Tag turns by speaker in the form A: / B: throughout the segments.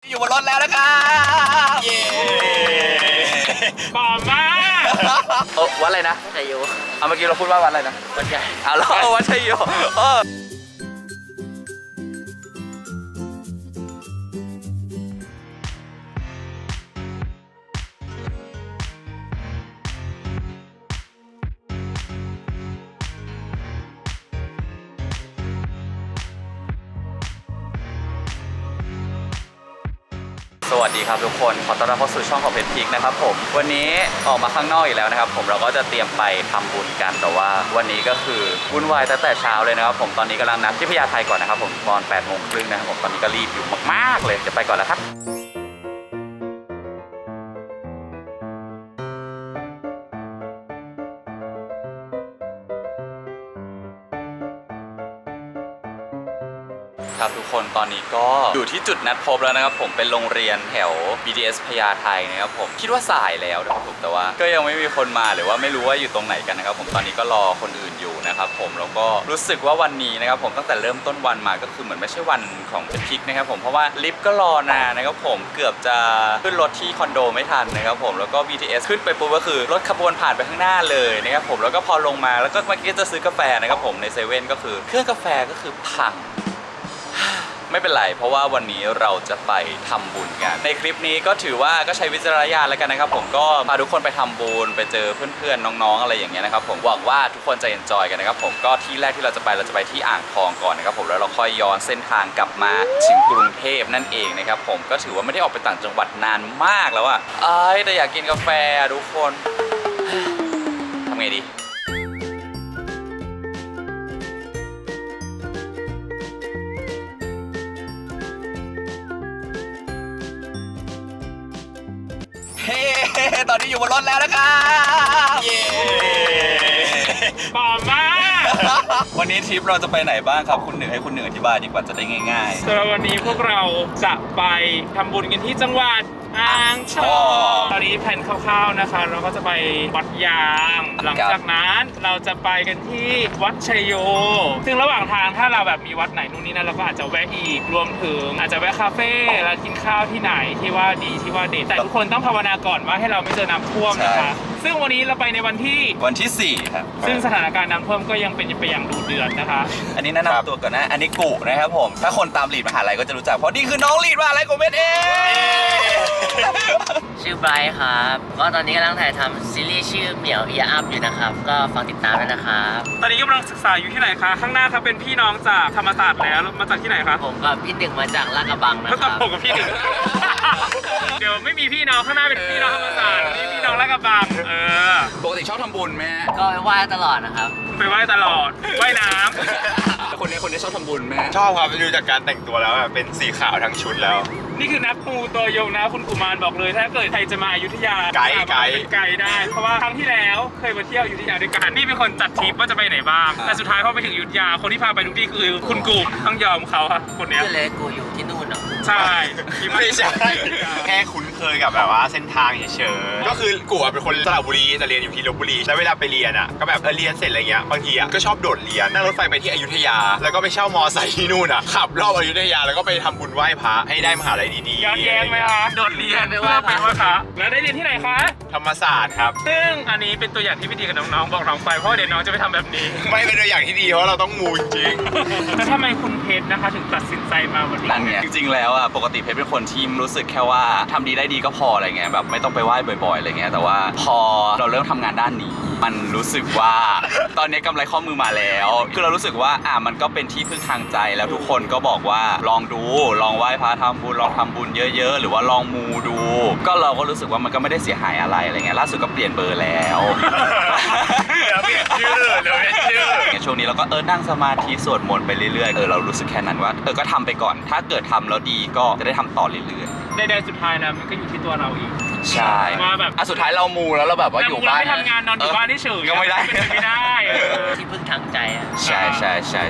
A: อยู่บนรถแล้วนะครับเย้
B: ป่อมาก
A: วัดอะไรนะ
C: ชัยโย
A: เมื่อกี้เราพูดว่าวัดอะไรนะ
C: วัดใหญ่
A: เราวัดชัยโยสวัสดีครับทุกคนขอต้อนรับเข้าสู่ช่องของเพชรพิกนะครับผมวันนี้ออกมาข้างนอกอีกแล้วนะครับผมเราก็จะเตรียมไปทำบุญกันแต่ว่าวันนี้ก็คือวุ่นวายตั้งแต่เช้าเลยนะครับผมตอนนี้กำลังนัดที่พญาไทก่อนนะครับผมตอน 8:30 นะครับผมตอนนี้ก็รีบอยู่มากๆเลยจะไปก่อนแล้วครับครับทุกคนตอนนี้ก็อยู่ที่จุดนัดพบแล้วนะครับผมเป็นโรงเรียนแถว BTS พญาไทนะครับผมคิดว่าสายแล้วนะครับผมแต่ว่าก็ยังไม่มีคนมาหรือว่าไม่รู้ว่าอยู่ตรงไหนกันนะครับผมตอนนี้ก็รอคนอื่นอยู่นะครับผมแล้วก็รู้สึกว่าวันนี้นะครับผมตั้งแต่เริ่มต้นวันมาก็คือเหมือนไม่ใช่วันของเพชรพิกนะครับผมเพราะว่าลิฟต์ก็รอนานนะครับผมเกือบจะขึ้นรถที่คอนโดไม่ทันนะครับผมแล้วก็ BTS ขึ้นไปปุ๊บก็คือรถขบวนผ่านไปข้างหน้าเลยนะครับผมแล้วก็พอลงมาแล้วก็เมื่อกี้จะซื้อกาแฟนะครับผมในเซเว่นก็คือเครื่องกาแฟก็คือพังไม่เป็นไรเพราะว่าวันนี้เราจะไปทำบุญกันในคลิปนี้ก็ถือว่าก็ใช้วิจารณญาณแล้วกันนะครับผมก็พาทุกคนไปทำบุญไปเจอเพื่อนๆน้องๆอะไรอย่างเงี้ยนะครับผมหวังว่าทุกคนจะเอนจอยกันนะครับผมก็ที่แรกที่เราจะไปที่อ่างทองก่อนนะครับผมแล้วเราค่อยย้อนเส้นทางกลับมาถึงกรุงเทพนั่นเองนะครับผมก็ถือว่าไม่ได้ออกไปต่างจังหวัดนานมากแล้วอะแต่อยากกินกาแฟทุกคนทำไงดีตอนนี้อยู่บนรถแล้วนะครับเย้
B: ป่อมาก
A: วันนี้ทริปเราจะไปไหนบ้างครับคุณหนึ่งให้คุณหนึ่งอธิบายดีกว่าจะได้ง่าย
B: ๆสำหรับวันนี้พวกเราจะไปทำบุญกันที่จังหวัดอ่างทองตอนนี้แผนคร่าวๆนะคะเราก็จะไปวัดยางหลังจากนั้นเราจะไปกันที่วัดชัยโยซึ่งระหว่างทางถ้าเราแบบมีวัดไหนนู่นนี่นั่นเราก็อาจจะแวะอีกรวมถึงอาจจะแวะคาเฟ่แล้วกินข้าวที่ไหนที่ว่าดีที่ว่าเด็ดแต่ทุกคนต้องภาวนาก่อนว่าให้เราไม่เจอน้ำท่วมนะคะซึ่งวันนี้เราไปในวันที่
A: 4ครับ
B: ซึ่งสถานการณ์น้ำท่วมก็ยังเป็นไปอย่างดุเดือดนะคะ
A: อันนี้แนะนำตัวก่อนนะอันนี้กุนะครับผมถ้าคนตามลีดมหาลัยก็จะรู้จักเพราะนี่คือน้องลีดมหาลัยของเบสเอง
C: ชื่อไบรท์ครับก็ตอนนี้กำลังถ่ายทำซีรีส์ชื่อเหมียวเอียอัพอยู่นะครับก็ฟังติดตามด้วยนะครับ
B: ตอนนี้กำลังศึกษาอยู่ที่ไหนคะข้างหน้าครับเป็นพี่น้องจากธรรมศาสตร์แล้วมาจากที่ไหนคะ
C: ผมกับพี่หนึ่งมาจากลาดกระบังนะครับ
B: ผมกับพี่หนึ่งเดี๋ยวไม่มีพี่น้องข้างหน้าเป็นพี่น้องธรรมศาสตร์นี่พี่น้องลาดกระบัง
A: ปกติชอบทำบุญไหม
C: ก็ไปไหว้ตลอดนะครับ
B: ไปไหว้ตลอดว่ายน้
A: ำคนนี้ชอบทำบุญไหม
D: ชอบครับดูจากการแต่งตัวแล้วเป็นสีขาวทั้งชุดแล้ว
B: นี่คือนักปูตัวยงนะคุณกุมารบอกเลยถ้าเกิดใครจะมาอยุธยา
D: ไก
B: ด์ได้เพราะว่าครั้งที่แล้วเคยมาเที่ยวอยุธยาด้วยกันนี่เป็นคนจัดทริปว่าจะไปไหนบ้างแต่สุดท้ายพอไปถึงอยุธยาคนที่พาไปทุกที่คือคุณกุมต้องยอมเขาครับคนนี้
C: คือเลยกูอยู่ที่นู่นเหรอ
B: ใช่
D: ไม่ใช่แค่คุ้นเคยกับแบบว่าเส้นทางเฉยๆก็คือกูเป็นคนสระบุรีแต่เรียนอยู่ที่ลพบุรีแล้วเวลาไปเรียนอ่ะก็แบบเรียนเสร็จอะไรเงี้ยบางทีอ่ะก็ชอบโดดเรียนนั่งรถไฟไปที่อยุธยาแล้วก็ไปเช่ามอไซค์ที่นู่นอ่ะขับรอบอยุธยาแล้วก็ไปทำบุญไหว้พระให้ได้มหาลัยดี
B: ๆย้อนแย้งไหมคะโดดเรียนไปว่าไปว่าคะแล้วได้เรียนที่ไหนคะ
D: ธรรมศาสตร์ครับ
B: ซึ่งอันนี้เป็นตัวอย่างที่ไม่ดีกับน้องๆบอกน้องไปเพราะเดี๋ยวน้องจะไปทำแบบนี้
D: ไม่เป็นตัวอย่างที่ดีเพราะเราต้องมูจริง
B: แล้วทำไมคุณเพชรนะคะถึงตัดสินใจมาวันนี้
A: จริงๆแล้วอ่ะปกติเพชรเป็นคนที่รู้สึกแค่ว่าทำดีได้ดีก็พออะไรเงี้ยแบบไม่ต้องไปไหว้บ่อยๆอะไรเงี้ยแต่ว่าพอเราเริ่มทำงานด้านนี้มันรู้สึกว่าตอนนี้กำไรข้อมือมาแล้วคือเรารู้สึกว่ามันก็เป็นที่พึ่งทางใจแล้วทุกคนก็บอกว่าลองดูลองไหว้พระทำบุญลองทำบุญเยอะๆหรือว่าลองมูดูก็เราก็รู้สึกว่ามันก็ไม่ได้เสียหายอะไรเงี้ยล่าสุดก็เปลี่ยนเบอร์แล้ว
D: เปลี่ยนชื่อ
A: ช่วงนี้เราก็นั่งสมาธิสวดมนต์ไปเรื่อยๆเรารู้สึกแค่นั้นว่าก็ทำไปก่อนถ้าเกิดทำแล้วดีก็จะได้ทำต่อเรื่อยๆ
B: ได้สุดท้ายนะมันก็อยู่ที่ตัวเราอีก
A: ใช่
B: ว่าแบบ
A: สุดท้ายเรามูแล้วเราแบบว่าอยู่บ้าน
B: ไม่ทำงานนอนอยู่บ้านเฉย
A: ก็ไม่ได้
C: ที่พึ่งทางใจอ่ะ
A: ใช่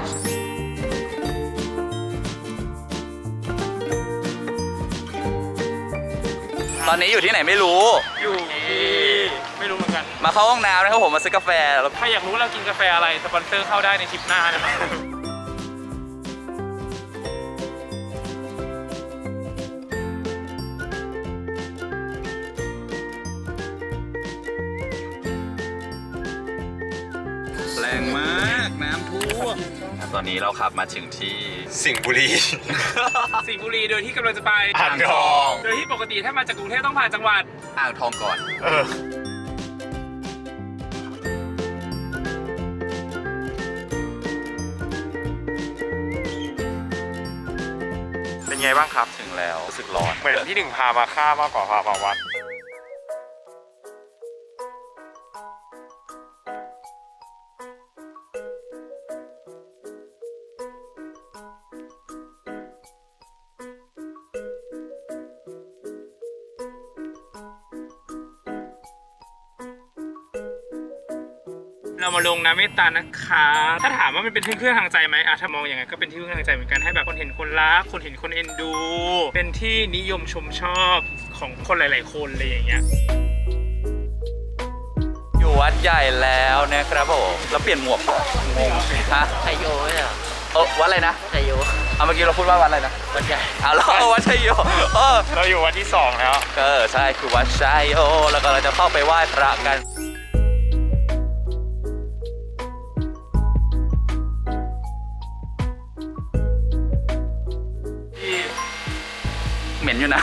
A: ตอนนี้อยู่ที่ไหนไม่รู้
B: อยู่ไม่รู้เหมือนกัน
A: มาเข้าห้องน้ำนะครับผมมาซื้อกาแฟแล้ว
B: ถ้าอยากรู้เรากินกาแฟอะไรสปอนเซอร์เข้าได้ในทริปหน้านะครับ
A: อนนี้เราขับมาถึงที่
D: สิงห์บุรี
B: สิงห์บุรีโดยที่กำลังจะไป
D: อ่างทอง
B: โดยที่ปกติถ้ามาจากกรุงเทพต้องผ่านจังหวัด
A: อ่างทองก่อน
D: เป็นไงบ้างครับ
A: ถึงแล้วรู้สึกร้อน
D: เหมือนที่หนึ่งพามาฆ่ามากกว่าพามาวัด
B: เรามาลงน้ำเมตตานะคะ ถ้าถามว่ามันเป็นที่พึ่งทางใจไหมถ้ามองอย่างนั้นก็เป็นที่พึ่งทางใจเหมือนกัน ให้แบบคนเห็นคนรัก คนเห็นคนเอ็นดู เป็นที่นิยมชมชอบของคนหลาย ๆ คนเลยอย่างเงี้ย
A: อยู่วัดใหญ่แล้วนะครับผมแล้วเปลี่ยนหมวกงงฮะ
C: ชัยโยไม่ใช่เหรอ
A: วัดอะไรนะ
C: ชัยโย
A: เอาเมื่อกี้เราพูดว่าวัดอะไรนะ
C: วัดใหญ่
A: แล้ววัดชัยโย
D: เราอยู่วันที่2แล้ว
A: ใช่คือวัดชัยโยแล้วก็เราจะเข้าไปไหว้พระกันเหม็นอยู่นะ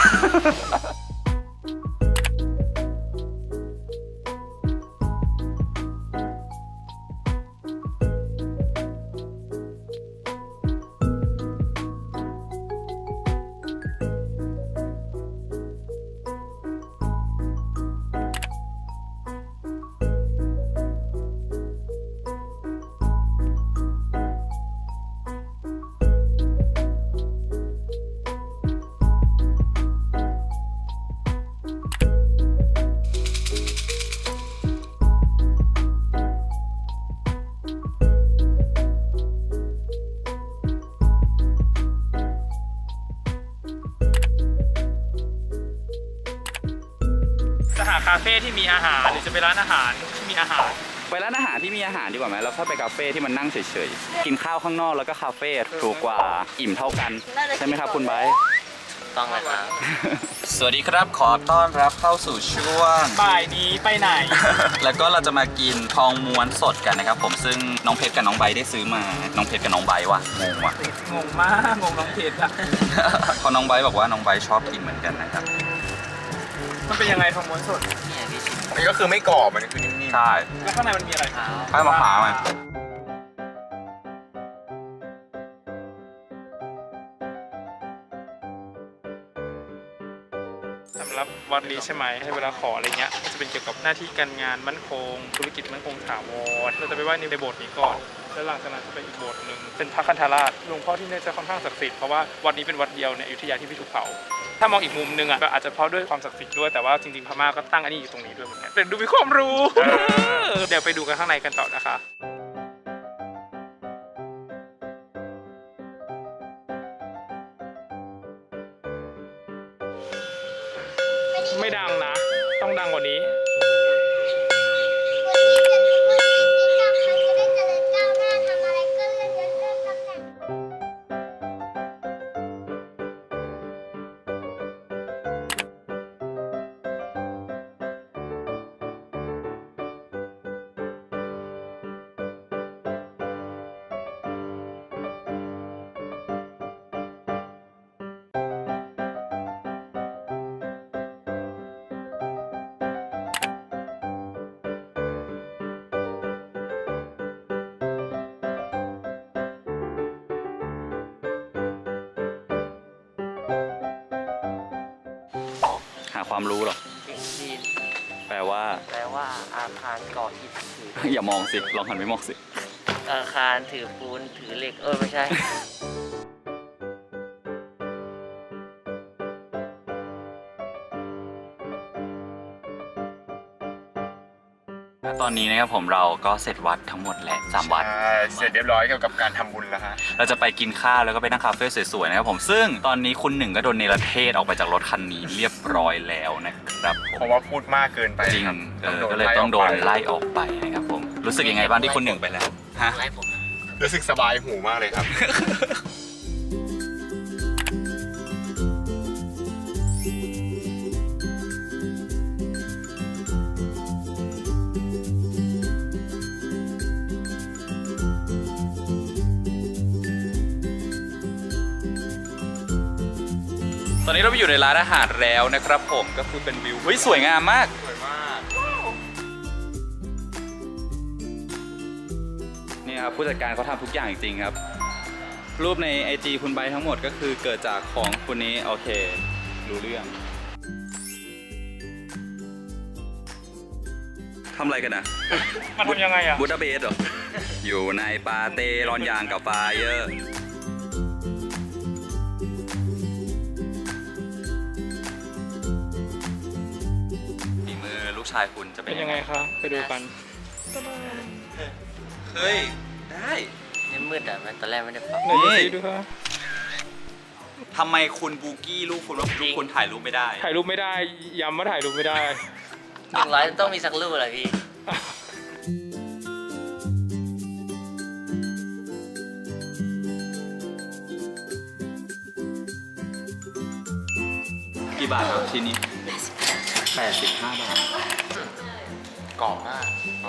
B: จะหาคาเฟ่ที่มีอาหารหรือจะไปร้านอาหารที่มีอาหาร
A: ไปร้านอาหารที่มีอาหารดีกว่าไหมแล้วค่อยไปคาเฟ่ที่มันนั่งเฉยๆกินข้าวข้างนอกแล้วก็คาเฟ่ถูกกว่าอิ่มเท่ากันใช่ไหมครับคุณไบร์ท
C: ต้องเลยครับ
A: สวัสดีครับขอต้อนรับเข้าสู่ช่วง
B: บ่ายนี้ไปไหน
A: แล้วก็เราจะมากินทองม้วนสดกันนะครับผมซึ่งน้องเพชรกับน้องไบร์ทได้ซื้อมาน้องเพชรกับน้องไบร์ทว่ะงงว่ะ
B: งงมากงงน้องเพชรอะ
A: เพราะน้องไบร์ทบอกว่าน้องไบร์ทชอบกินเหมือนกันนะครับ
B: มันเป็นยังไงทองม้วนสด
C: เนี่ยพี่ชิม
D: มันก็คือไม่กรอบมันคือนิ่ม
A: ใช่
B: แล้วข้างในมันมีอะไร
C: เท้า
A: ข้าวมะพร้าวอ่ะ
B: สำหรับวัดนี้ใช่ไหมให้เวลาขออะไรเงี้ยก็จะเป็นเกี่ยวกับหน้าที่การงานมั่นคง ธุรกิจมั่นคงถาวรเราจะไปไหว้ในโบสถ์นี้ก่อน แล้วหลังจากนั้นจะไปอีกโบสถ์หนึ่งเป็นพระคันธราชหลวงพ่อที่นี่จะค่อนข้างศักดิ์สิทธิ์เพราะว่าวัดนี้เป็นวัดเดียวในอยุธยาที่ไม่ถูกเผาถ้ามองอีกมุมนึงอ่ะก็อาจจะเพราะด้วยความศักดิ์สิทธิ์ด้วยแต่ว่าจริงๆพม่าก็ตั้งอันนี้อยู่ตรงนี้ด้วยเหมือนกันแต่ดูมีความรู้ เดี๋ยวไปดูกันข้างในกันต่อนะคะไม่ดังนะ ต้องดังกว่านี้
A: หาความรู้หรอ
C: ถึงจีน
A: แปลว่า
C: แปลว่าอาคารก่ออิฐถือ
A: อย่ามองสิลองหันไปมองสิ
C: อาคารถือปูนถือเหล็กไม่ใช่
A: ตอนนี้นะครับผมเราก็เสร็จวัดทั้งหมดแล้ว3 วัด
D: เสร็จเรียบร้อยเกี่ยวกับการทำบุญแล้วฮะ
A: เราจะไปกินข้าวแล้วก็ไปนั่งคาเฟ่สวยๆนะครับผมซึ่งตอนนี้คุณหนึ่งก็โดนเนรเทศออกไปจากรถคันนี้เรียบร้อยแล้วนะครับผ
D: เพ
A: ม
D: ราะว่าพูดมากเกินไป
A: จริง
D: ครับ
A: ก็เลยต้องโดนไล่ออกไปนะครับผมรู้สึกยังไงบ้างที่คุณหนึ่งไปแล้วฮะ
C: ไล่ผม
D: รู้สึกสบายหูมากเลยครับ
A: ตอนนี้เราไปอยู่ในร้านอาหารแล้วนะครับผมก็คือเป็นวิวเฮ้ยสวยงามมากสวยมากนี่ครับผู้จัดการเขาทำทุกอย่างจริงๆครับรูปใน IG คุณไบร์ททั้งหมดก็คือเกิดจากของคุณนี้โอเครู้เรื่องทำอะไรกันนะ
B: มันทำยังไงอ่ะ
A: บูดาเบสเหรอ อยู่ในปาเต้ร้อนยางกับไฟเยอร์ฝีมือลูกชายคุณจะเป็
B: เป็น น
A: ยั
B: ยัง ง
A: ไง
B: ไงคะไปดูกัน
A: เฮ้ย ได้
C: นี่มืดอ่ะมันตอนแรกไม่ได้ปรับ
B: ไหนดูซิดูค่ะ
A: ทำไมคุณบูกี้ลูกคุณว่าลูกคุณถ่ายรูปไม่ได้
B: ถ่ายรูปไม่ได้ย้ำว่าถ่ายรูปไม่ได้
C: 100ต้องมีสักรูปเหรอพี่
A: กี่บาทครับชิ้นนี้85 บาท
D: กรอบมาก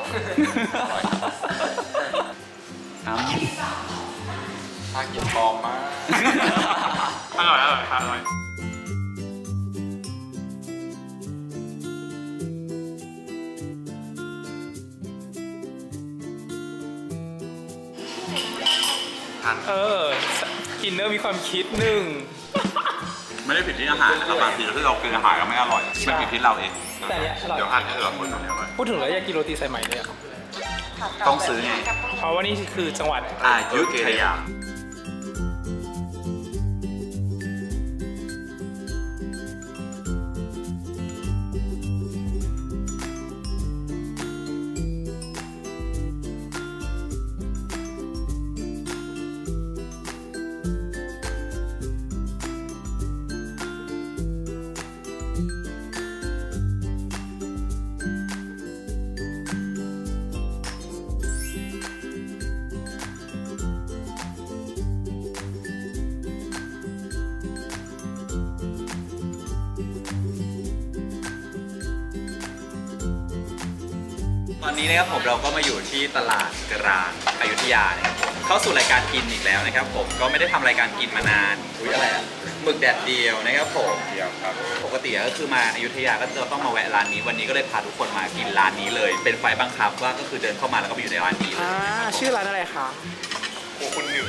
A: อ้ำ
D: ทากินปลอมมาก
B: อร่อยอร่อย อินเนอร์มีความคิดหนึ่ง
A: ไม่ได้ผิดที่อาหารนะครับบางทีที่เรากินอาหารแล้วไม่อร่อยมันผิดที่เราเอง
B: แต่เนี้ยอร่อย
D: เดี๋ยวหั่นให้เหลือคนตรงนี้ไว้
B: พูดถึงแล้วอยากกินโรตีสายไหมเลยอะ
A: ต้องซื้อไง
B: เพราะว่านี่คือจังหวัด
A: อยุธยาตอนนี้นะครับผมเราก็มาอยู่ที่ตลาดกลางอยุธยานะครับผมเข้าสู่รายการกินอีกแล้วนะครับผมก็ไม่ได้ทำรายการกินมานานอุ้ยอะไรอะหมึกแดดเดียวนะครับผม
D: เดียวครับ
A: ปกติก็คือมาอยุธยาก็จะต้องมาแวะร้านนี้วันนี้ก็เลยพาทุกคนมากินร้านนี้เลย เป็นไฟบังคับว่าก็คือเดินเข้ามาแล้วก็ไปอยู่ในร้านนี้เลย
B: ชื่อร้านอะไรคะ
D: โอ้คุณหนึ่ง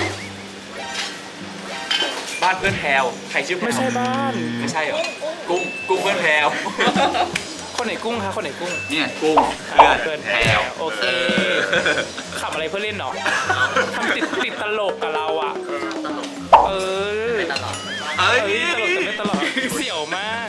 A: บ้านเพื่อนแพรวใครชื่อแพรว
B: ไม่ใช่บ้าน
A: ไม่ใช่เหรอกุ้งเพื่อนแพรว
B: คนไหนกุ้งคะคนไหนกุ้ง
A: เนี่ยกุ้งเพื่อนแพรว
B: โอเคขับอะไรเพื่อเล่นเนาะทำติดตลกกับเราอ่ะ
C: ตลก
B: เออ
C: ไม่ตลอด
A: เอ้ย
B: ตลกแต่ไม่ตลอดเสี่ยวมาก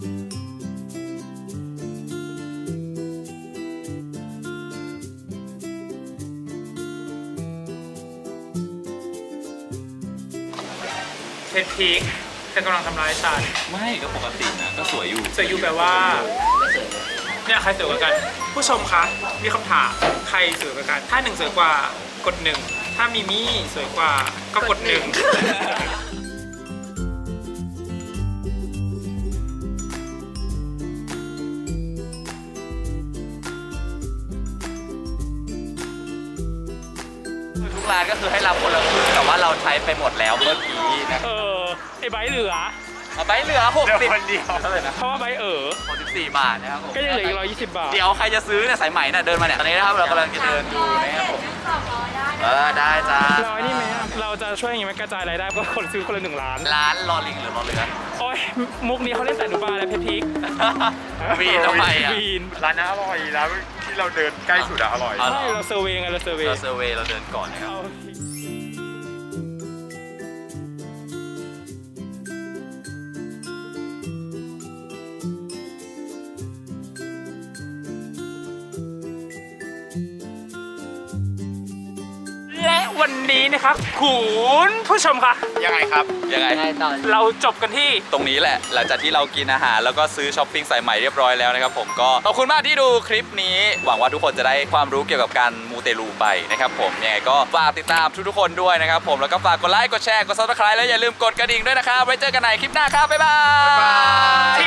B: เพชรพีคเธอกำลังทำร้ายฉัน
A: ไม่ก็ปกตินะก็สวยอยู่
B: สวยอยู่แปลว่า
C: ไม่สวยเลย
B: เนี่ยใครสวยกว่ากัน ผู้ชมคะ มีคำถามใครสวยกว่ากัน ถ้าหนึ่งสวยกว่ากดหนึ่งถ้ามิมี่สวยกว่าก็กดหนึ่ง
A: ทุกร้านก็คือให้รับคนละครึ่งแต่ว่าเราใช้ไปหมดแล้วเมื่อกี้นะ
B: ไอ้ใบเหลือ
A: เอาไปเหลือ
D: เดี๋ยว
A: 60
D: คนเดียว
A: เท่าไหร่นะ
B: เพราะว่าใบ
A: 64 บาทนะครับผม
B: ก็ยังเหลืออีก120 บาท
A: เดี๋ยวใครจะซื้อเนี่ยสายไหมเนี่ยเดินมาเนี่ยตอนนี้นะครับเรากำลังจะเดินดูนะครับผมได้จ้า
B: ร้อยนี่ไหมอะเราจะช่วยอย่างงี้ไหมกระจายรายได้เพราะคนซื้อคนละ1 ล้าน
A: ร้านรอลิงหรือรอเรือ
B: โอ้ยมุกนี้เขาเล่นแต่หนูบาแล้วเพชรพีค
A: วีทำไมอ่ะ
B: วีน
D: ร้านน่าอร่อยร้านที่เราเดินใกล้สุดอะอร่อย
A: อ๋อเหรอ
B: ใช่เราเซอร์เวย์ไงเราเซอร์เวย์
A: เราเซอร์เวย์เราเดินก่อนนะครับ
B: เอา และวันนี้นะครับคุณผู้ชมคะ
D: ยังไงครับ
A: ยังไง
C: ง่ายตอน
B: เราจบกันที่
A: ตรงนี้แหละหลังจากที่เรากินอาหารแล้วก็ซื้อช้อปปิ้งสายใหม่เรียบร้อยแล้วนะครับผมก็ขอบคุณมากที่ดูคลิปนี้หวังว่าทุกคนจะได้ความรู้เกี่ยวกับการมูเตลูไปนะครับผมยังไงก็ฝากติดตามทุกๆคนด้วยนะครับผมแล้วก็ฝากกดไลค์กดแชร์กด Subscribe แล้วอย่าลืมกดกระดิ่งด้วยนะครับไว้เจอกันใหม่คลิปหน้าครับบ๊ายบาย